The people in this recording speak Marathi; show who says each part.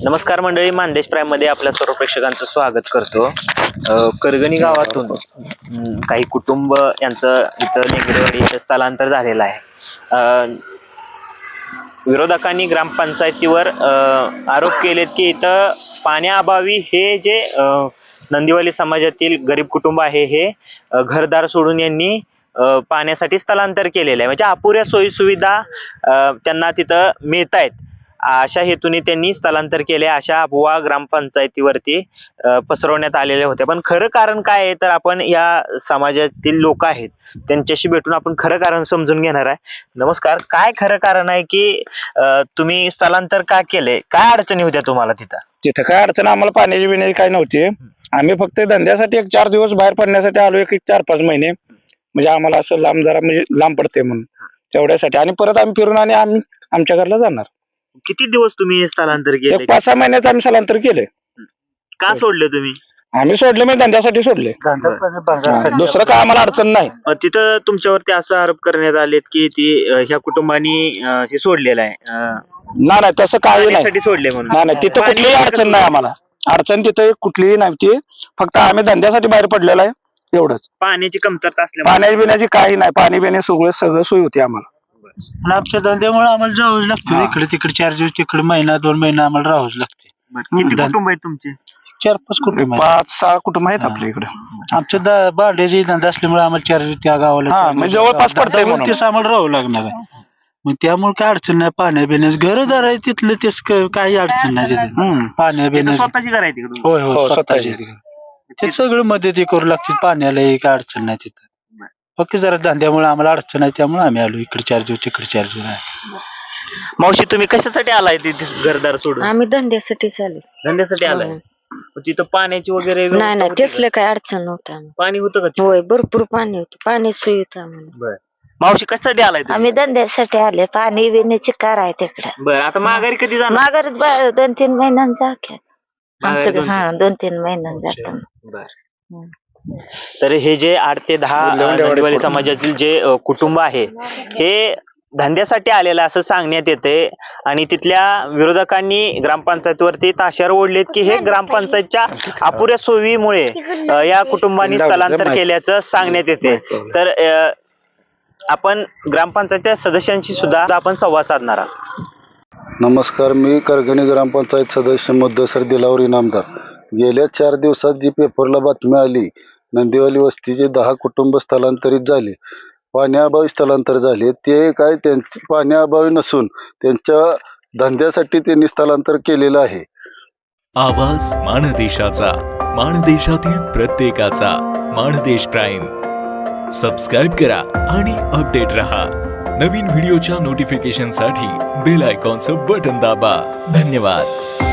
Speaker 1: नमस्कार मंडळी, मानदेश प्राईम मध्ये आपल्या सर्व प्रेक्षकांचं स्वागत करतो. करगणी गावातून काही कुटुंब यांचं इथं नेगरेवाडी इथं स्थलांतर झालेलं आहे. विरोधकांनी ग्रामपंचायतीवर आरोप केलेत की इथं पाण्याअभावी हे जे नंदिवाली समाजातील गरीब कुटुंब आहे हे घरदार सोडून यांनी पाण्यासाठी स्थलांतर केलेलं आहे. म्हणजे अपुऱ्या सोयी सुविधा त्यांना तिथं मिळत आहेत, अशा हेतूने त्यांनी स्थलांतर केले, अशा अफवा ग्रामपंचायतीवरती पसरवण्यात आलेल्या होत्या. पण खरं कारण काय आहे तर आपण या समाजातील लोक आहेत त्यांच्याशी भेटून आपण खरं कारण समजून घेणार आहे. नमस्कार, काय खरं कारण आहे की तुम्ही स्थलांतर का केले? काय अडचणी होत्या तुम्हाला तिथं?
Speaker 2: तिथं काय अडचण आम्हाला पाण्याची बिण्याची काय नव्हती. आम्ही फक्त धंद्यासाठी 1-4 दिवस बाहेर पडण्यासाठी आलो, 4-5 महिने. म्हणजे आम्हाला असं लांब जरा म्हणजे लांब पडते म्हणून तेवढ्यासाठी, आणि परत आम्ही फिरून आणि आम्ही आमच्या घरला जाणार.
Speaker 1: किती दिवस तुम्ही स्थलांतर केले?
Speaker 2: 5-6 महिन्याचं आम्ही स्थलांतर केले.
Speaker 1: का सोडले तुम्ही?
Speaker 2: आम्ही सोडले म्हणजे धंद्यासाठी सोडले, दुसरं काय आम्हाला अडचण नाही.
Speaker 1: तिथं तुमच्यावरती असं आरोप करण्यात आलेत की ती ह्या कुटुंबानी हे सोडलेलं आहे,
Speaker 2: नाही तसं काही नाही.
Speaker 1: सोडले म्हणून.
Speaker 2: नाही तिथं कुठलीही अडचण नाही आम्हाला. अडचण तिथं कुठलीही नाही. ती फक्त आम्ही धंद्यासाठी बाहेर पडलेलो आहे एवढंच.
Speaker 1: पाण्याची कमतरता असल्यामुळे
Speaker 2: पाण्याची बिण्याची काही नाही. पाणी बिणे सगळं सोय होती आम्हाला.
Speaker 3: आणि आमच्या धंद्यामुळे आम्हाला जावंच लागतं. इकडे तिकडे 4 दिवस, तिकडे महिना 2 महिना आम्हाला राहावंच लागते.
Speaker 1: किती कुटुंब आहेत तुमचे?
Speaker 3: 4-5 कुटुंब आहेत.
Speaker 2: 5-6 कुटुंब आहेत आपल्या इकडे.
Speaker 3: आमच्या भाड्याची धंदा असल्यामुळे आम्हाला 4 दिवस त्या गावाला
Speaker 2: म्हणजे जवळपास पडतंय म्हणून.
Speaker 3: तेच आम्हाला राहावं लागणार आहे. मग त्यामुळे काय अडचण नाही. पाण्या बिण्यास घरदार आहे तिथलं, तेच काही अडचण नाही तिथे. पाण्या बिण्यास
Speaker 1: स्वतःची घर आहे तिकडून?
Speaker 3: होय स्वतःची. ते सगळं मदती करू लागते पाण्याला, काय अडचण नाही तिथं. फक्त जरा धंद्यामुळे आम्हाला अडचण आहे, त्यामुळे आम्ही आलो इकडे 4 दिवस, तिकडे 4 दिवस.
Speaker 1: मावशी, तुम्ही कशासाठी आलाय तिथे घरदार सोडून?
Speaker 4: आम्ही धंद्यासाठीच आले.
Speaker 1: धंद्यासाठी आलाय? तिथं पाण्याची वगैरे
Speaker 4: नाही त्यासलं काही अडचण नव्हतं.
Speaker 1: पाणी होतं का?
Speaker 4: होय, भरपूर पाणी होतं. पाणी सोय होतं आम्हाला.
Speaker 1: मावशी, कशासाठी आलाय तुम्ही?
Speaker 5: आम्ही धंद्यासाठी आले. पाणी बिण्याची कार आहे तिकडे.
Speaker 1: बरं, आता माघारी कधी जाणार?
Speaker 5: माघारीत 2-3 महिन्यां जातात आमचं.
Speaker 1: माघारी
Speaker 5: 2-3 महिन्यां जातो.
Speaker 1: तर हे जे 8 ते 10 नंदिवाली समाजातील जे कुटुंब आहे हे धंद्यासाठी आलेलं असं सांगण्यात येते, आणि तिथल्या विरोधकांनी ग्रामपंचायतीवरती ताशेर ओढलेत की हे ग्रामपंचायतच्या अपुऱ्या सोयीमुळे या कुटुंबांनी स्थलांतर केल्याचं सांगण्यात येते. तर आपण ग्रामपंचायतच्या सदस्यांशी सुद्धा आपण संवाद साधणार आहोत.
Speaker 6: नमस्कार, मी करगणी ग्रामपंचायत सदस्य मुद्दसर दिलावर इनामदार. गेल्या 4 दिवसात जी पेपरला बातमी आली, नंदिवाली वस्तीचे 10 कुटुंब स्थलांतरित झाले, पाण्याअभावी स्थलांतर झाले. ते काय त्यांचे पाण्याअभावी नसून त्यांच्या धंद्यासाठी त्यांनी स्थलांतर केलेलं आहे.
Speaker 7: आवाज माणदेशाचा, माणदेशातील प्रत्येकाचा. माणदेश प्राईम सबस्क्राईब करा आणि अपडेट रहा. नवीन व्हिडिओच्या नोटिफिकेशनसाठी बेल आयकॉनचं बटन दाबा. धन्यवाद.